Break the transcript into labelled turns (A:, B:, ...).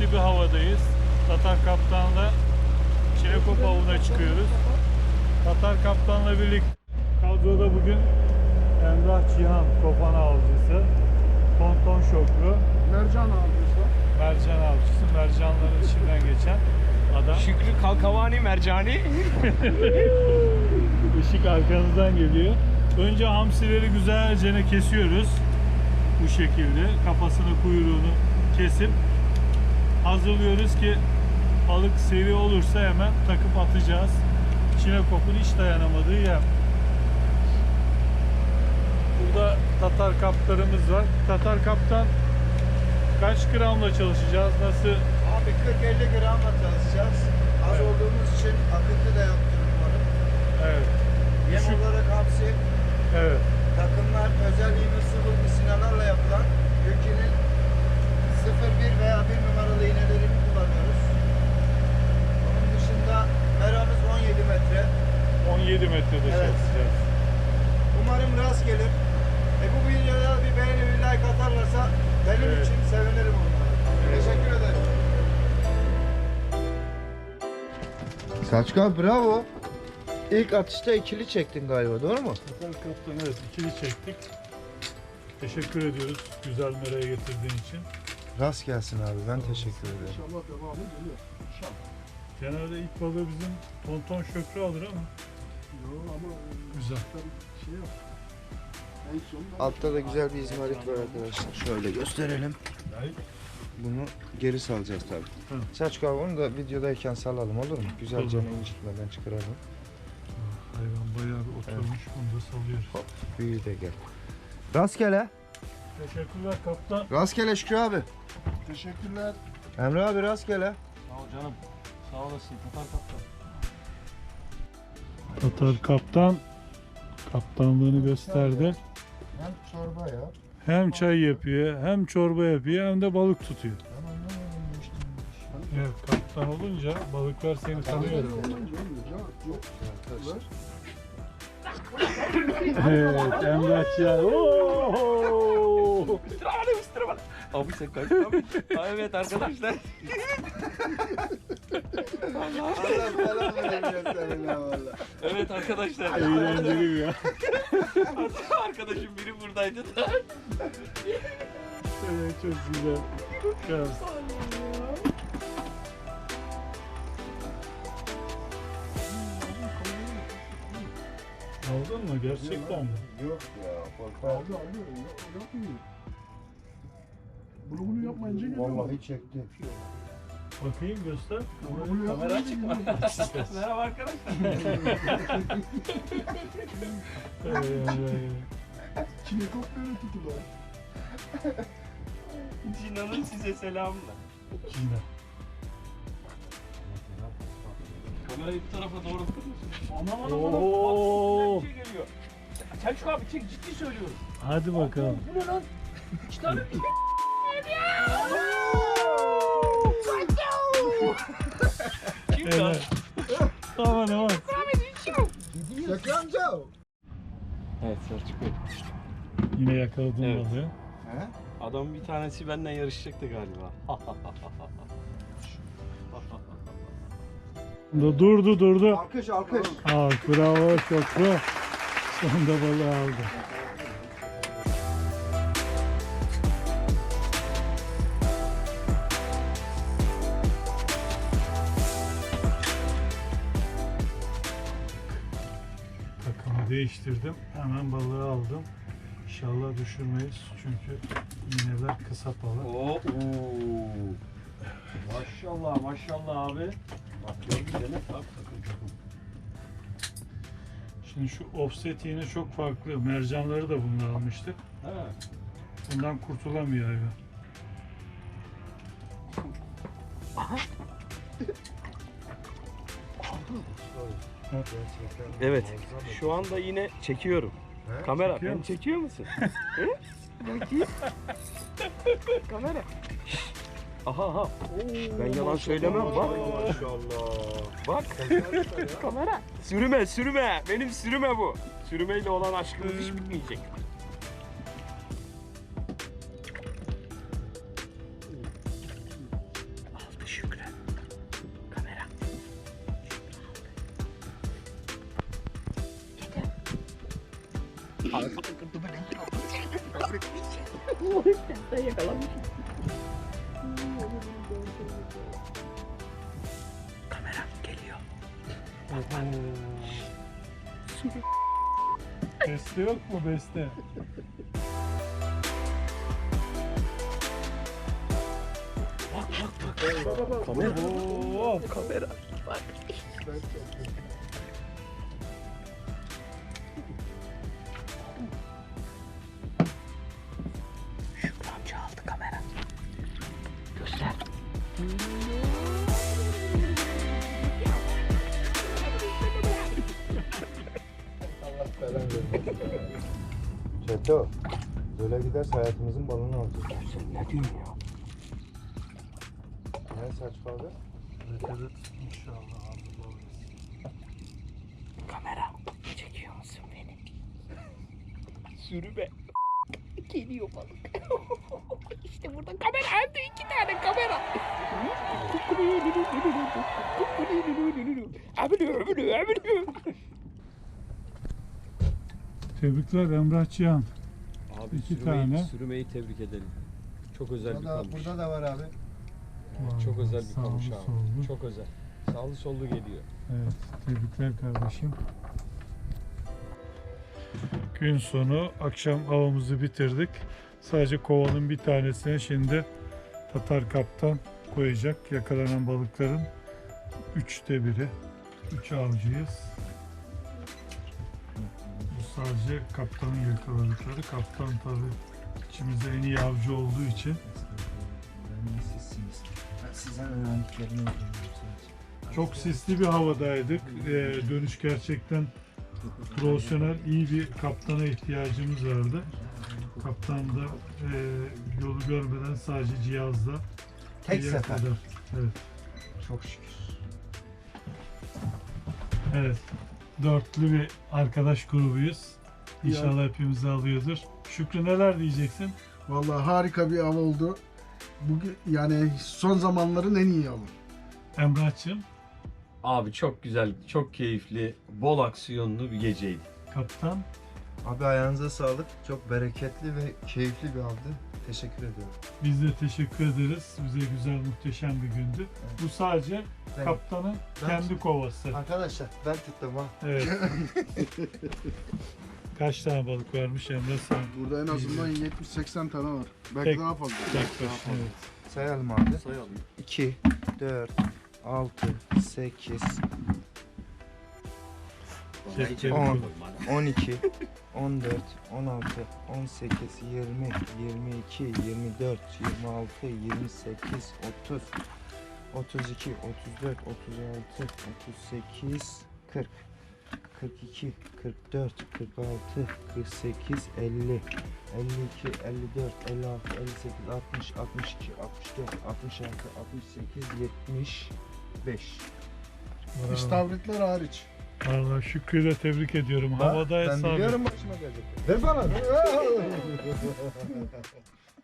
A: bir havadayız. Tatar Kaptan'la Çinekop avına çıkıyoruz. Tatar Kaptan'la birlikte kadroda bugün Emrah Cihan Kopan avcısı, Tonton Şoklu,
B: Mercan avcısı.
A: mercan avcısı, mercanların içinden geçen adam.
C: Şükrü Kalkavani Mercani.
A: Işık arkanızdan geliyor. Önce hamsileri güzelce kesiyoruz. Bu şekilde kafasını, kuyruğunu kesip hazırlıyoruz ki balık seri olursa hemen takıp atacağız. Çinekop'un hiç dayanamadığı yem. Burada Tatar kaplarımız var. Tatar kaptan kaç gramla çalışacağız? Nasıl?
B: Abi 40-50 gramla çalışacağız. Az olduğumuz için akıntı da yoktur umarım.
A: Evet.
B: Yem
A: Düşük.
B: olarak hamsi,
A: Evet.
B: takımlar özel iğne misinalarla yapılan Gökçe'nin 0-1 veya 1 numaralı iğnelerini kullanıyoruz. Onun dışında meramız 17 metre.
A: 17 metrede
B: Evet.
A: çalışacağız.
B: Umarım rast gelir. Bu videoya bir beğeni bir like atarlarsa benim
A: Evet.
B: için sevinirim onlara. Teşekkür ederim. Selçuk bravo. İlk atışta ikili çektin galiba, doğru mu?
A: Tatar kaptan evet ikili çektik. Teşekkür ediyoruz güzel meraya getirdiğin için.
B: Rast gelsin abi, ben teşekkür ederim.
D: İnşallah devamı geliyor. İnşallah.
A: Genelde ilk balığı bizim Tonton Şökrü alır ama
D: Yok ama
A: güzel.
D: tabii şey yok. En son
B: Altta da güzel bir izmarit var arkadaşlar. Şöyle gösterelim. Bunu geri salacağız tabii.
A: Hı.
B: Selçuk abi onu da videodayken salalım, olur mu? Güzelce
A: Olur.
B: incitmeden çıkaralım.
A: Hayvan bayağı bir oturmuş. Bunu da salıyoruz.
B: Hop, büyüğü de gel. Rastgele.
A: Teşekkürler kaptan.
B: Rastgele Şükrü abi.
D: teşekkürler.
B: Emre abi rastgele.
C: Sağ ol canım. Sağ olasın Tatar Kaptan.
A: Tatar kaptan kaptanlığını gösterdi.
B: Hem çorba ya.
A: Hem çay yapıyor, hem çorba yapıyor, hem de balık tutuyor.
B: Ben anlamadım işte.
A: Evet, kaptan olunca balıklar seni tanıyor.
D: Olunca olmuyor. Yok.
A: Evet, Emrah Cihan. Oo!
C: Abi sen kaç abi? Evet arkadaşlar.
B: Allah falan veremiyor seninle valla.
C: Evet arkadaşlar.
A: Eğlenceli ya.
C: Arkadaşım biri buradaydı da.
A: Evet, çok güzel. Çok. Aldın mı? Gerçekten mi?
B: Yok ya, korkma.
D: Aldı. Yapmıyor. Bunu yapmayınca geliyor.
B: Vallahi çekti.
A: Bakayım göster.
D: Bunu
C: Kamera
D: yapmayınca
C: açık mı?
D: geliyor.
C: Merhaba arkadaşlar.
D: Çinekop böyle tutulur.
C: Cinan'ın size selamlar.
A: Cina.
C: Kamerayı bu tarafa doğru tutuyorsun. Aman
A: Oo.
C: bak bir şey geliyor. Selçuk abi çek, ciddi söylüyorum.
A: Hadi bakalım.
C: Bu ne lan? 2 tane bir şey. Kim lan?
A: Evet. Aman aman.
B: Şükrü amca.
C: Evet Selçuk Bey.
A: Yine yakaladım
C: Evet.
A: balığı.
B: He?
C: Adam bir tanesi benden yarışacaktı galiba.
A: Durdu.
B: Alkış.
A: Bravo Şokru. Sonunda balığı aldı. Takımı değiştirdim. Hemen balığı aldım. İnşallah düşürmeyiz. Çünkü iğneler kısa balık.
C: Oo. Maşallah abi. Bak gördün değil mi? Bak takım.
A: Şimdi şu offset iğne çok farklı. Mercanları da bununla almıştık.
C: Ha.
A: Bundan kurtulamıyor hayvan.
C: Evet. Şu anda yine çekiyorum.
B: He?
C: Kamera
A: Çekiyor
C: beni
A: musun?
C: çekiyor musun? He? Bakayım. Kamera. Şşş. Aha. Ben yalan söylemem bak.
B: Maşallah.
C: Bak. Kamera. Sürüme. Benim sürüme bu. Sürümeyle olan aşkımız hiç bitmeyecek.
E: Sen yakalamışsın.
C: Kamera geliyor.
A: Beste yok mu beste?
C: Kamera.
A: Oo,
C: Kamera. Şükrü amca aldı kamera. Göster.
B: Çeto. Böyle giderse hayatımızın balını alacağız.
C: Sen ne diyorsun ya?
B: Ne saçmalığı?
A: İnşallah hazır oluruz.
C: Kamera. Çekiyor musun beni? Sürüme. Geliyor balık. İşte burada kamera. Hem de 2 tane kamera.
A: Tebrikler Emrahçıyan.
F: Abi
A: İki tane.
F: Sürümeyi tebrik edelim. Çok özel bir kamış.
B: Burada da var abi.
F: Çok özel bir
A: Sağlı
F: kamış abi.
A: sollu.
F: Çok özel. Sağlı sollu geliyor.
A: Evet, tebrikler kardeşim. Gün sonu akşam avımızı bitirdik. Sadece kovanın bir tanesine şimdi Tatar kaptan koyacak. Yakalanan balıkların 3'te 1'i. 3 avcıyız. Bu sadece kaptanın yakaladıkları. Kaptan tabii içimizde en iyi avcı olduğu için
B: Ben sizsiniz. Ben sizden öğrendiklerimi öğreniyorum sadece.
A: çok sisli bir havadaydık. Dönüş gerçekten profesyonel, iyi bir kaptana ihtiyacımız vardı. Kaptan da yolu görmeden sadece cihazla
B: Tek
A: bir yere
B: sefer.
A: kadar. Evet.
B: Çok şükür.
A: Evet. Dörtlü bir arkadaş grubuyuz. İnşallah hepimizi alıyordur. Şükrü neler diyeceksin?
D: Vallahi harika bir av oldu. Bugün yani son zamanların en iyi avı.
A: Emrah'cığım,
F: Abi çok güzel, çok keyifli, bol aksiyonlu bir geceydi.
A: kaptan.
B: Abi ayağınıza sağlık. Çok bereketli ve keyifli bir avdı. Teşekkür ediyorum.
A: Biz de teşekkür ederiz. Bize güzel, muhteşem bir gündü. Bu sadece
B: Ben-
A: kaptanın
B: ben-
A: kendi kovası.
B: Arkadaşlar ben tuttum ha.
A: Evet. Kaç tane balık varmış Emre sen?
D: Burada en azından 70-80 tane var. Belki
A: Tek-
D: daha fazla.
A: Tek
D: Daha
A: baş,
D: fazla.
A: evet.
B: Sayalım abi.
F: Sayalım.
B: 2, 4, 6, 8,
A: Cepleri
B: 10,
A: koy.
B: 12, 14, 16, 18, 20, 22, 24, 26, 28, 30, 32, 34, 36, 38, 40, 42, 44, 46, 48, 50, 52, 54, 56, 58, 60, 62, 64, 66, 68, 75.
A: Bravo.
D: İstavritler hariç.
A: Vallahi Şükrü'yü de tebrik ediyorum. Havada
B: Ben
A: hesabı.
B: biliyorum başıma gelecek. Ver bana.